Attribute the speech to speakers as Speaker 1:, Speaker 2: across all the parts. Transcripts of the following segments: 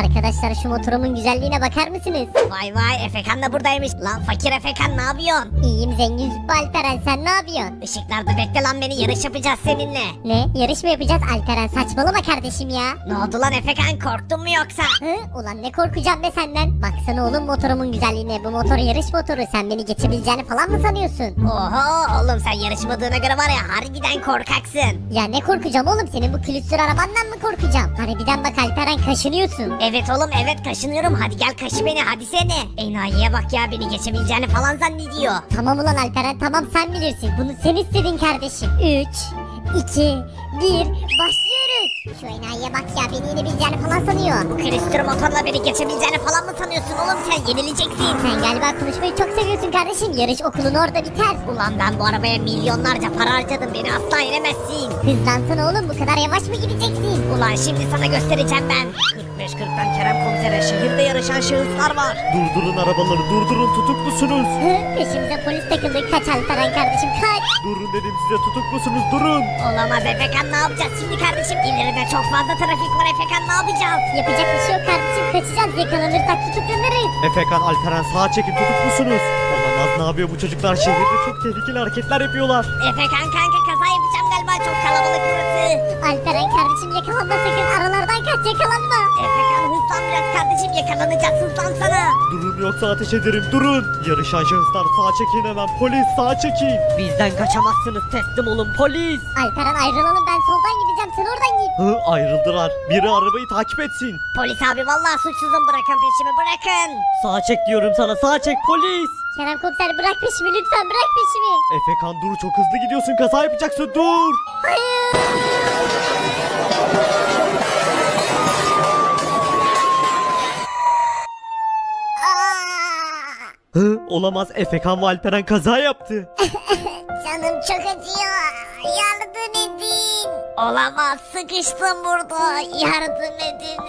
Speaker 1: Arkadaşlar şu motorumun güzelliğine bakar mısınız?
Speaker 2: Vay vay, Efekan da buradaymış. Lan fakir Efekan, ne yapıyorsun?
Speaker 1: İyiyim zengin Züppü Alperen, sen ne yapıyorsun?
Speaker 2: Işıklarda bekle lan beni, yarış yapacağız seninle.
Speaker 1: Ne? Yarış mı yapacağız Alperen? Saçmalama kardeşim ya.
Speaker 2: Ne oldu lan Efekan, korktun mu yoksa?
Speaker 1: Ulan ne korkacağım be senden. Baksana oğlum motorumun güzelliğine. Bu motor yarış motoru. Sen beni geçebileceğini falan mı sanıyorsun?
Speaker 2: Oho oğlum, sen yarışmadığına göre var ya, harbiden korkaksın.
Speaker 1: Ya ne korkacağım oğlum, senin bu külüstür arabandan mı korkacağım? Harbiden bak Alperen, kaşınıyorsun.
Speaker 2: Evet oğlum, evet kaşınıyorum. Hadi gel kaşı beni, hadi seni. Enayiye bak ya, beni geçebileceğini falan zannediyor.
Speaker 1: Tamam ulan Alperen, tamam sen bilirsin. Bunu sen istedin kardeşim. 3, 2, 1 başlıyoruz. Şu enayiye bak ya, beni yenebileceğini falan sanıyor.
Speaker 2: Bu külüstür motorla beni geçebileceğini falan mı sanıyorsun oğlum, sen yenileceksin.
Speaker 1: Sen galiba konuşmayı çok seviyorsun kardeşim. Yarış okulun orada biter.
Speaker 2: Ulan ben bu arabaya milyonlarca para harcadım, beni asla yenemezsin.
Speaker 1: Hızlansana oğlum, bu kadar yavaş mı gideceksin?
Speaker 2: Ulan şimdi sana göstereceğim ben. 45-40'tan Kerem komisere, şehirde yarışan şahıslar var.
Speaker 3: Durdurun arabaları, durdurun, tutuklusunuz.
Speaker 1: Peşimize polis takıldı. Kaç Alperen kardeşim, kaç.
Speaker 3: Durun dedim size, tutuklusunuz, durun.
Speaker 2: Olamaz Efekan, ne yapacağız şimdi kardeşim? İleride çok fazla trafik var Efekan, ne yapacağız?
Speaker 1: Yapacak bir şey yok kardeşim, kaçacağız. Yakalanırsak tutuklanırız.
Speaker 3: Efekan, Alperen sağa çekin, tutuklusunuz. Olamaz, ne yapıyor bu çocuklar? Şehirde çok tehlikeli hareketler yapıyorlar.
Speaker 2: Efekan kanka, kaza yapacağım galiba, çok kalabalık burası.
Speaker 1: Alperen kardeşim, yakalanma sakın. Aralardan kaç, yakalanma.
Speaker 2: Efekan hızlan biraz kardeşim, yakalanacağız, hızlansana.
Speaker 3: Durun yoksa ateş ederim, durun. Yarışan şahıslar sağa çekin hemen, polis sağa çekin.
Speaker 4: Bizden kaçamazsınız, teslim olun polis.
Speaker 1: Alperen ayrılalım, ben soldan gideceğim, sen oradan git.
Speaker 3: Ayrıldılar. Biri arabayı takip etsin.
Speaker 2: Polis abi vallahi suçsuzum, bırakın peşimi, bırakın.
Speaker 4: Sağa çek diyorum sana, sağa çek polis.
Speaker 1: Kerem komiser, bırak peşimi lütfen, bırak peşimi.
Speaker 3: Efekan dur, çok hızlı gidiyorsun, kaza yapacaksın, dur. Olamaz, Efekan ve Alperen kaza yaptı.
Speaker 1: Canım çok acıyor, yardım edin.
Speaker 2: Olamaz, sıkıştım burada, yardım edin.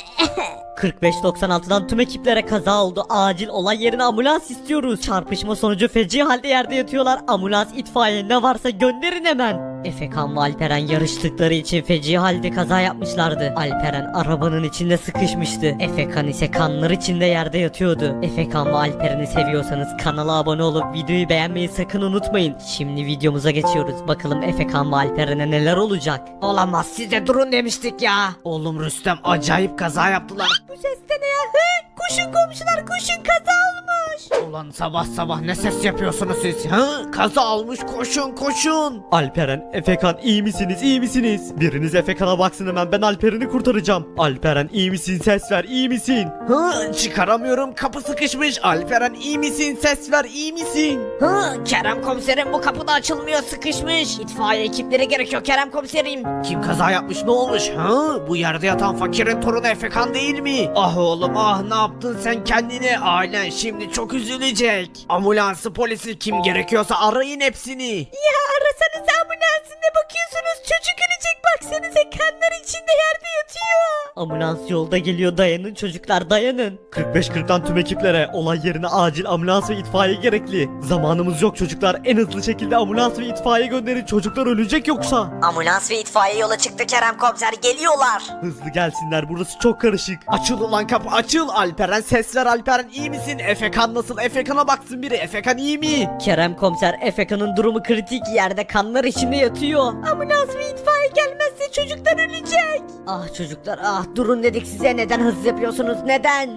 Speaker 4: 4596'dan tüm ekiplere kaza oldu. Acil olay yerine ambulans istiyoruz. Çarpışma sonucu feci halde yerde yatıyorlar. Ambulans, itfaiye ne varsa gönderin hemen. Efekan ve Alperen yarıştıkları için feci halde kaza yapmışlardı. Alperen arabanın içinde sıkışmıştı. Efekan ise kanlar içinde yerde yatıyordu. Efekan ve Alperen'i seviyorsanız kanala abone olup videoyu beğenmeyi sakın unutmayın. Şimdi videomuza geçiyoruz. Bakalım Efekan ve Alperen'e neler olacak.
Speaker 5: Olamaz, size durun demiştik ya. Oğlum Rüstem acayip kaza yaptılar.
Speaker 4: Bu ses de ne ya? Koşun komşular, koşun, kaza olmuş.
Speaker 5: Ulan sabah sabah ne ses yapıyorsunuz siz? Kaza olmuş, koşun koşun.
Speaker 3: Alperen, Efekan iyi misiniz, iyi misiniz? Biriniz Efekan'a baksın hemen, ben Alperen'i kurtaracağım. Alperen iyi misin, ses ver, iyi misin?
Speaker 5: Çıkaramıyorum, kapı sıkışmış. Alperen iyi misin, ses ver, iyi misin? Kerem komiserim, bu kapı da açılmıyor, sıkışmış. İtfaiye ekipleri gerekiyor Kerem komiserim. Kim kaza yapmış, ne olmuş? Bu yerde yatan fakirin torunu Efekan değil mi? Ah oğlum ah, ne yaptın sen kendine? Ailen şimdi çok üzülecek. Ambulansı, polisi, kim gerekiyorsa arayın hepsini.
Speaker 4: Ya arasanız ambulansın, ne bakıyorsunuz? Çocuk ölecek, baksanıza kanlar içinde yerde yatıyor. Ambulans yolda geliyor, dayanın çocuklar, dayanın.
Speaker 3: 45-40'tan tüm ekiplere, olay yerine acil ambulans ve itfaiye gerekli. Zamanımız yok çocuklar, en hızlı şekilde ambulans ve itfaiye gönderin, çocuklar ölecek yoksa.
Speaker 6: Ambulans ve itfaiye yola çıktı Kerem komiser, geliyorlar.
Speaker 3: Hızlı gelsinler, burası çok karışık.
Speaker 5: Açıl ulan kapı, açıl. Alperen ses ver, Alperen iyi misin? Efekan nasıl? Efekan'a baksın biri. Efekan iyi mi?
Speaker 4: Kerem komiser, Efekan'ın durumu kritik, yerde kanlar içinde yatıyor. Ambulans ve itfaiye gelmezse çocuklar ölecek. Ah çocuklar ah, durun dedik size, neden hız yapıyorsunuz, neden?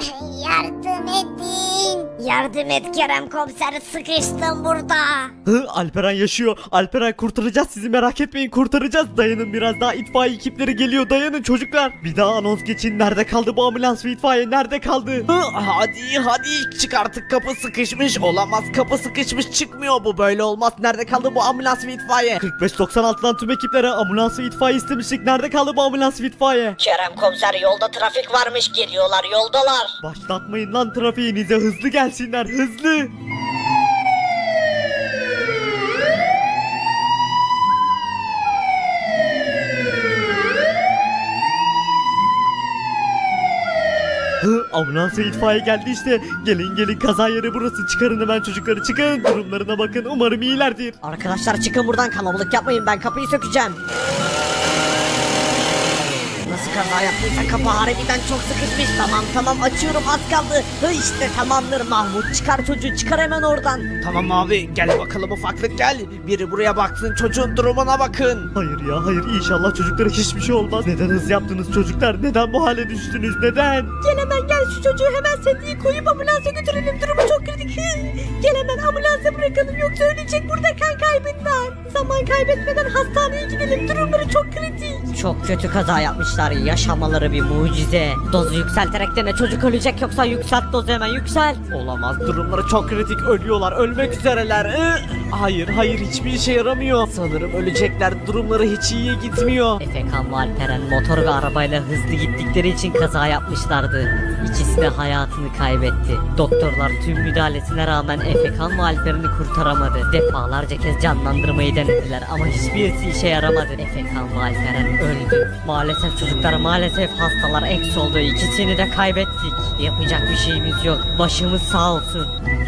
Speaker 1: Yardım edin.
Speaker 2: Yardım et Kerem komiser, sıkıştım burada.
Speaker 3: Alperen yaşıyor. Alperen, kurtaracağız sizi, merak etmeyin, kurtaracağız. Dayanın biraz daha, itfaiye ekipleri geliyor, dayanın çocuklar. Bir daha anons geçin, nerede kaldı bu ambulans ve itfaiye, nerede kaldı?
Speaker 5: Hadi çık artık, kapı sıkışmış. Olamaz, kapı sıkışmış, çıkmıyor, bu böyle olmaz. Nerede kaldı bu ambulans ve itfaiye?
Speaker 3: 45-96'dan tüm ekiplere ambulans ve itfaiye istemiştik, nerede kaldı bu ambulans ve itfaiye?
Speaker 6: Kerem komiser, yolda trafik varmış, geliyorlar, yoldalar.
Speaker 3: Başlatmayın lan trafiğinize, hızlı gelsinler, hızlı. Ambulans ve itfaiye geldi işte. Gelin gelin, kaza yeri burası. Çıkarın hemen çocukları, çıkın. Durumlarına bakın, umarım iyilerdir.
Speaker 4: Arkadaşlar çıkın buradan, kalabalık yapmayın, ben kapıyı sökeceğim.
Speaker 2: nasıl kaza yaptıysa kapı harbiden çok sıkışmış. Tamam açıyorum, az kaldı. İşte tamamdır Mahmut, çıkar çocuğu, çıkar hemen oradan.
Speaker 5: Tamam abi, gel bakalım ufaklık gel. Biri buraya baksın, çocuğun durumuna bakın.
Speaker 3: Hayır ya hayır, inşallah çocuklara hiçbir şey olmaz. Neden hız yaptınız çocuklar? Neden bu hale düştünüz? Neden?
Speaker 2: Gel hemen gel, şu çocuğu hemen sedyeyi koyup ambulansa götürelim, durumu çok kritik. Gel hemen ambulansa bırakalım, yoksa ölecek burada, kan kaybından. Zaman kaybetmeden hastaneye gidelim, durumları çok kritik.
Speaker 4: Çok kötü kaza yapmışlar. Yaşamaları bir mucize. Dozu yükselterek dene, çocuk ölecek, yoksa yükselt dozu, hemen yükselt.
Speaker 3: Olamaz, durumları çok kritik, ölüyorlar, ölmek üzereler. Hayır hiçbir işe yaramıyor. Sanırım ölecekler, durumları hiç iyiye gitmiyor.
Speaker 4: Efekan ve Alperen motor ve arabayla hızlı gittikleri için kaza yapmışlardı. İkisi de hayatını kaybetti. Doktorlar tüm müdahalesine rağmen Efekan ve Alperen'i kurtaramadı. Defalarca kez canlandırmayı denediler ama hiçbirisi işe yaramadı. Efekan ve Alperen öldü. Maalesef çocuklar, maalesef hastalar eksi oldu. İkisini de kaybettik. Yapacak bir şeyimiz yok. Başımız sağ olsun.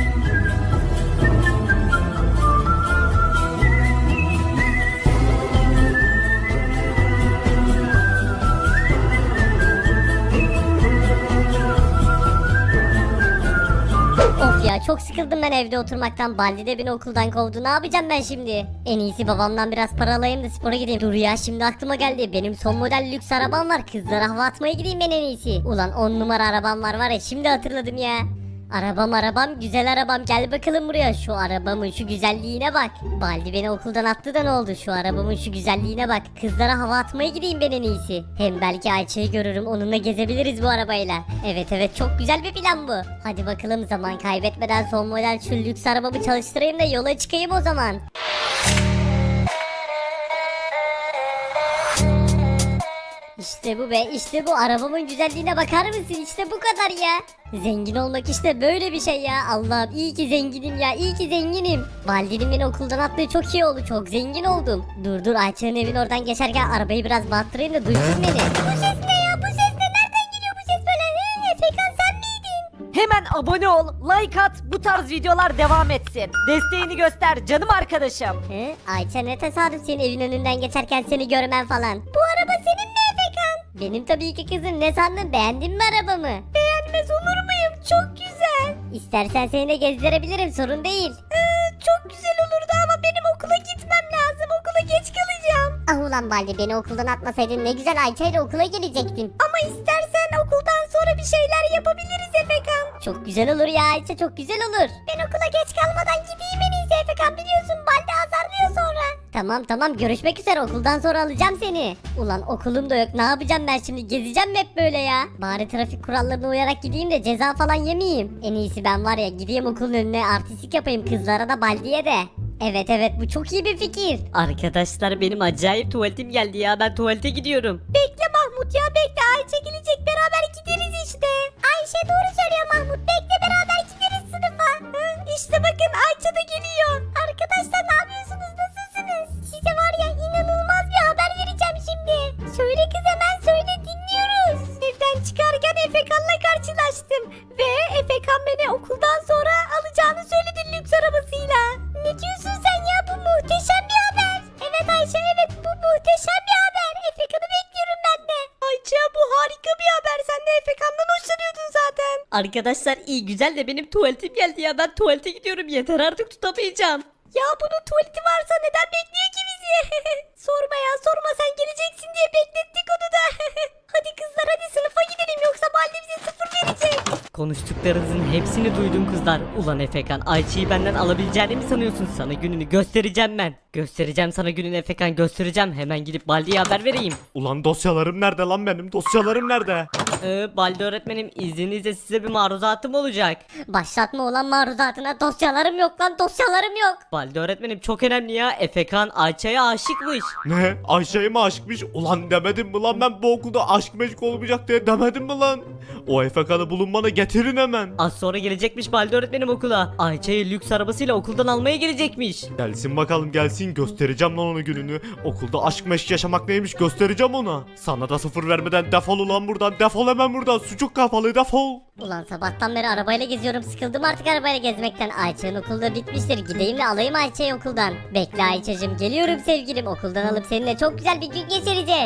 Speaker 1: Of ya, çok sıkıldım ben evde oturmaktan. Baldi de beni okuldan kovdu. Ne yapacağım ben şimdi? En iyisi babamdan biraz para alayım da spora gideyim. Dur ya, şimdi aklıma geldi. Benim son model lüks arabam var. Kızlara hava atmaya gideyim ben en iyisi. Ulan 10 numara arabam var ya, şimdi hatırladım ya. Arabam güzel arabam, gel bakalım buraya. Şu arabamın şu güzelliğine bak. Baldi beni okuldan attı da ne oldu? Şu arabamın şu güzelliğine bak. Kızlara hava atmaya gideyim ben en iyisi. Hem belki Ayça'yı görürüm, onunla gezebiliriz bu arabayla. Evet çok güzel bir plan bu. Hadi bakalım, zaman kaybetmeden son model şu lüks arabamı çalıştırayım da yola çıkayım o zaman. İşte bu be, işte bu, arabamın güzelliğine bakar mısın? İşte bu kadar ya. Zengin olmak işte böyle bir şey ya. Allah'ım, iyi ki zenginim ya, iyi ki zenginim. Baldi'nin beni okuldan attığı çok iyi oldu, çok zengin oldum. Dur Ayça'nın evin oradan geçerken arabayı biraz battırayım da duysun beni. Bu ses ne ya, bu ses ne? Nereden geliyor bu ses böyle? Efekan, sen miydin?
Speaker 2: Hemen abone ol, like at, bu tarz videolar devam etsin. Desteğini göster canım arkadaşım.
Speaker 1: Ayça, ne tesadüf senin evin önünden geçerken seni görmen falan. Bu araba senin mi Efekan? Benim tabii ki kızım, ne sandın, beğendin mi arabamı? Beğenmez olur muyum, çok güzel. İstersen seni de gezdirebilirim, sorun değil. Çok güzel olurdu ama benim okula gitmem lazım, okula geç kalacağım. Ah ulan Baldi, beni okuldan atmasaydın ne güzel Ayça ile okula gelecektim. Ama istersen okuldan sonra bir şeyler yapabiliriz Efekan. Çok güzel olur ya Ayça, çok güzel olur. Ben okula geç kalmadan gideyim en iyisi Efekan, biliyorsun Baldi azarlıyor sonra. Tamam görüşmek üzere, okuldan sonra alacağım seni. Ulan okulum da yok, ne yapacağım ben şimdi, gezeceğim mi hep böyle ya? Bari trafik kurallarına uyarak gideyim de ceza falan yemeyeyim. En iyisi ben var ya, gideyim okulun önüne artistik yapayım, kızlara da Baldi'ye de. Evet bu çok iyi bir fikir.
Speaker 4: Arkadaşlar, benim acayip tuvaletim geldi ya, ben tuvalete gidiyorum.
Speaker 1: Bekle Mahmut ya, bekle, Ayça gelecek, beraber gideriz işte. Ayşe doğru söylüyor Mahmut, bekle, beraber gideriz sınıfa. İşte bakın, Ayça da geliyor. Arkadaşlar, ne yapıyorsunuz, nasılsınız? Size var ya, inanılmaz bir haber vereceğim şimdi. Söyle kız, hemen söyle, dinliyoruz. Evden çıkarken Efekan'la karşılaştım. Ve Efekan beni okuldan sonra alacağını söyledi lüks arabasıyla. Ne diyorsun sen ya, bu muhteşem bir haber. Evet Ayşe, evet, bu muhteşem bir haber. Efekan'ı bekliyorum ben de. Ayça, bu harika bir haber, sen de Efekan'dan hoşlanıyordun zaten.
Speaker 4: Arkadaşlar, iyi güzel de benim tuvaletim geldi ya, ben tuvalete gidiyorum, yeter artık, tutamayacağım.
Speaker 1: Ya bunun tuvaleti varsa neden bekliyor ki bizi? Sorma ya, sorma, sen geleceksin diye beklettik onu da. Hadi kızlar, hadi sınıfa gidelim, yoksa Baldi bize 0 verecek.
Speaker 4: Konuştuklarınızın hepsini duydum kızlar. Ulan Efekan, Ayça'yı benden alabileceğini mi sanıyorsun? Sana gününü göstereceğim ben. Göstereceğim sana gününü Efekan, göstereceğim. Hemen gidip Baldi'ye haber vereyim.
Speaker 3: Ulan dosyalarım nerede lan benim? Dosyalarım nerede?
Speaker 4: Baldi öğretmenim, izninizle size bir maruzatım olacak.
Speaker 1: Başlatma olan maruzatına, dosyalarım yok lan, dosyalarım yok.
Speaker 4: Baldi öğretmenim, çok önemli ya. Efekan Ayça'ya aşıkmış.
Speaker 3: Ne? Ayşe'ye mi aşıkmış? Ulan demedim mi lan ben bu okulda aşk meşk olmayacak diye, demedim mi lan? O Efekan'ı bulun, bana getirin hemen.
Speaker 4: Az sonra gelecekmiş Baldi öğretmenim okula. Ayça'yı lüks arabasıyla okuldan almaya gelecekmiş.
Speaker 3: Gelsin bakalım, gelsin, göstereceğim lan onun gününü. Okulda aşk meşk yaşamak neymiş göstereceğim ona. Sana da 0 vermeden defol ulan buradan, defol hemen buradan, sucuk kafalı, defol.
Speaker 1: Ulan sabahtan beri arabayla geziyorum, sıkıldım artık arabayla gezmekten. Ayça'nın okulda bitmiştir, gideyim de alayım Ayça'yı okuldan. Bekle Ayça'cığım, geliyorum sevgilim, okuldan alıp seninle çok güzel bir gün geçireceğiz.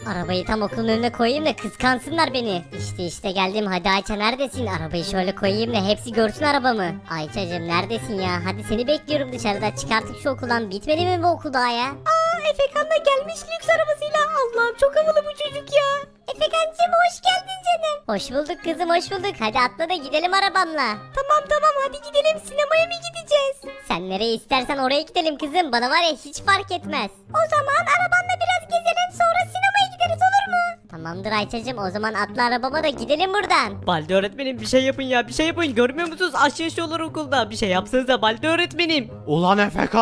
Speaker 1: Arabayı tam okulun önüne koyayım da kıskansınlar beni. İşte geldim, hadi Ayça neredesin? Arabayı şöyle koyayım da hepsi görsün arabamı. Ayça'cım neredesin ya? Hadi seni bekliyorum dışarıda, çıkarttık şu okuldan. Bitmedi mi bu okul daha ya?
Speaker 2: Efekan da gelmiş lüks arabasıyla. Allah'ım çok havalı bu çocuk ya.
Speaker 1: Efekancığım hoş geldin canım. Hoş bulduk kızım, hoş bulduk. Hadi atla da gidelim arabamla.
Speaker 2: Tamam hadi gidelim, sinemaya mı gideceğiz?
Speaker 1: Sen nereye istersen oraya gidelim kızım. Bana var ya hiç fark etmez. O zaman arabanla biraz gezelim, sonra sinemaya gideriz, olur mu? Tamamdır Ayça'cığım, o zaman atla arabama da gidelim buradan.
Speaker 4: Balde öğretmenim bir şey yapın ya, bir şey yapın. Görmüyor musunuz? Aşk yaşıyorlar okulda. Bir şey yapsanıza Balde öğretmenim.
Speaker 3: Ulan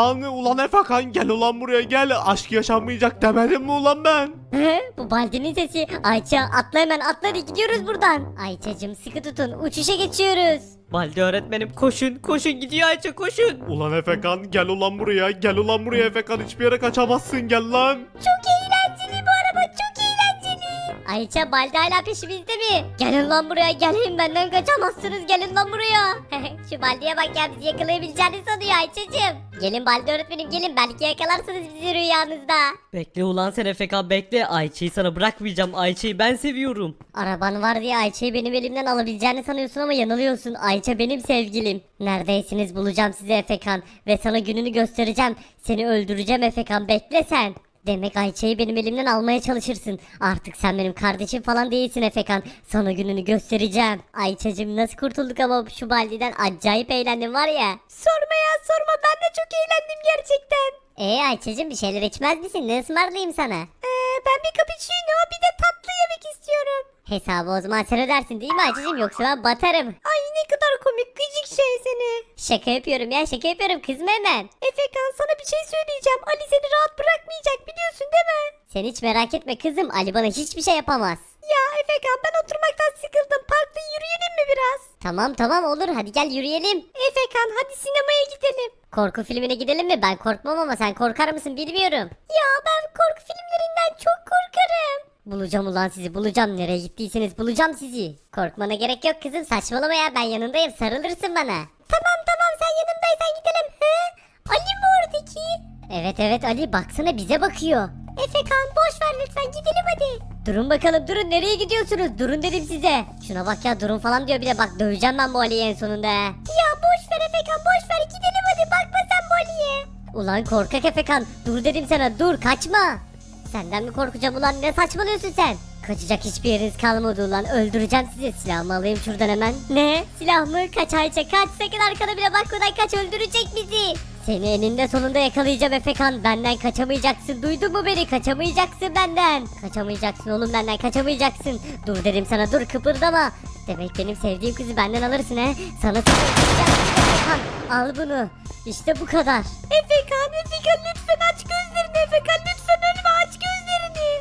Speaker 3: Efekan gel ulan buraya gel. Aşk yaşanmayacak demedim mi ulan ben?
Speaker 1: Bu Baldi'nin sesi. Ayça atla, hemen atla, hadi gidiyoruz buradan. Ayça'cığım sıkı tutun, uçuşa geçiyoruz.
Speaker 4: Balde öğretmenim koşun gidiyor Ayça, koşun.
Speaker 3: Ulan Efekan gel ulan buraya Efekan, hiçbir yere kaçamazsın, gel lan.
Speaker 1: Çok eğlenceli bu araba, çok eğlenceli. Ayça, Baldi hala peşimizde mi? Gelin lan buraya, gelin, benden kaçamazsınız, gelin lan buraya. Şu Baldi'ye bak ya, bizi yakalayabileceğini sanıyor Ayça'cığım. Gelin Baldi öğretmenim, gelin, belki yakalarsınız bizi rüyanızda.
Speaker 4: Bekle ulan sen Efekan, bekle. Ayça'yı sana bırakmayacağım. Ayça'yı ben seviyorum.
Speaker 1: Araban var diye Ayça'yı benim elimden alabileceğini sanıyorsun ama yanılıyorsun. Ayça benim sevgilim. Neredeysiniz, bulacağım sizi Efekan. Ve sana gününü göstereceğim. Seni öldüreceğim Efekan, bekle sen. Demek Ayça'yı benim elimden almaya çalışırsın. Artık sen benim kardeşim falan değilsin Efekan. Sana gününü göstereceğim. Ayça'cığım nasıl kurtulduk ama şu Baldi'den, acayip eğlendim var ya.
Speaker 2: Sorma, ben de çok eğlendim gerçekten.
Speaker 1: Ayça'cığım bir şeyler içmez misin? Ne ısmarlayayım sana?
Speaker 2: Ben bir cappuccino, bir de tatlı yemek istiyorum.
Speaker 1: Hesabı o zaman sen ödersin değil mi Ayça'cığım, yoksa ben batarım.
Speaker 2: Ay ne kadar komik gıcık şey seni.
Speaker 1: Şaka yapıyorum ya, şaka yapıyorum, kızma hemen.
Speaker 2: Efekan, sana bir şey söyleyeceğim. Ali seni rahat bırakmayacak, biliyorsun değil mi?
Speaker 1: Sen hiç merak etme kızım, Ali bana hiçbir şey yapamaz.
Speaker 2: Ya Efekan, ben oturmaktan sıkıldım. Parkta yürüyelim mi biraz?
Speaker 1: Tamam olur, hadi gel yürüyelim.
Speaker 2: Efekan, hadi sinemaya gidelim.
Speaker 1: Korku filmine gidelim mi? Ben korkmam ama sen korkar mısın bilmiyorum.
Speaker 2: Ya ben korku filmlerinden çok korkarım.
Speaker 1: Bulacağım ulan sizi, bulacağım. Nereye gittiyseniz bulacağım sizi. Korkmana gerek yok kızım, saçmalama ya, ben yanındayım, sarılırsın bana.
Speaker 2: Tamam, sen yanımdaysan gidelim. Ali mi oradaki?
Speaker 1: Evet Ali, baksana bize bakıyor.
Speaker 2: Efekan, boş ver lütfen, gidelim hadi.
Speaker 1: Durun bakalım, durun, nereye gidiyorsunuz? Durun dedim size. Şuna bak ya, durun falan diyor, bir de bak döveceğim ben bu Ali'yi en sonunda.
Speaker 2: Ya boş ver Efekan, boş ver, gidelim hadi, bakma sen bu Ali'ye.
Speaker 1: Ulan korkak Efekan, dur dedim sana, dur, kaçma. Senden mi korkacağım ulan, ne saçmalıyorsun sen? Kaçacak hiçbir yeriniz kalmadı ulan, öldüreceğim sizi. Silahımı alayım şuradan hemen. Ne? Silah mı? Kaç Ayça, kaç, sakın arkana bile bakmadan kaç, öldürecek bizi. Seni eninde sonunda yakalayacağım Efekan, benden kaçamayacaksın, duydun mu beni? Kaçamayacaksın benden. Kaçamayacaksın oğlum, benden kaçamayacaksın. Dur dedim sana, dur, kıpırdama. Demek benim sevdiğim kızı benden alırsın he. Sana saklayacağım Efekan, al bunu. İşte bu kadar.
Speaker 2: Efekan lütfen aç gözlerini, Efekan lütfen ölme, aç gözlerini.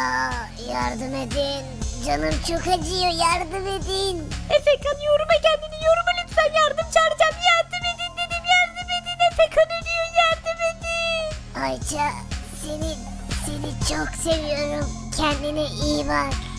Speaker 1: Yardım edin. Canım çok acıyor, yardım edin.
Speaker 2: Efekan yoruma kendini, yoruma lütfen, yardım çağıracağım, yardım edin dedim, yardım edin, Efekan ölüyor, yardım edin.
Speaker 1: Ayça, seni çok seviyorum. Kendine iyi bak.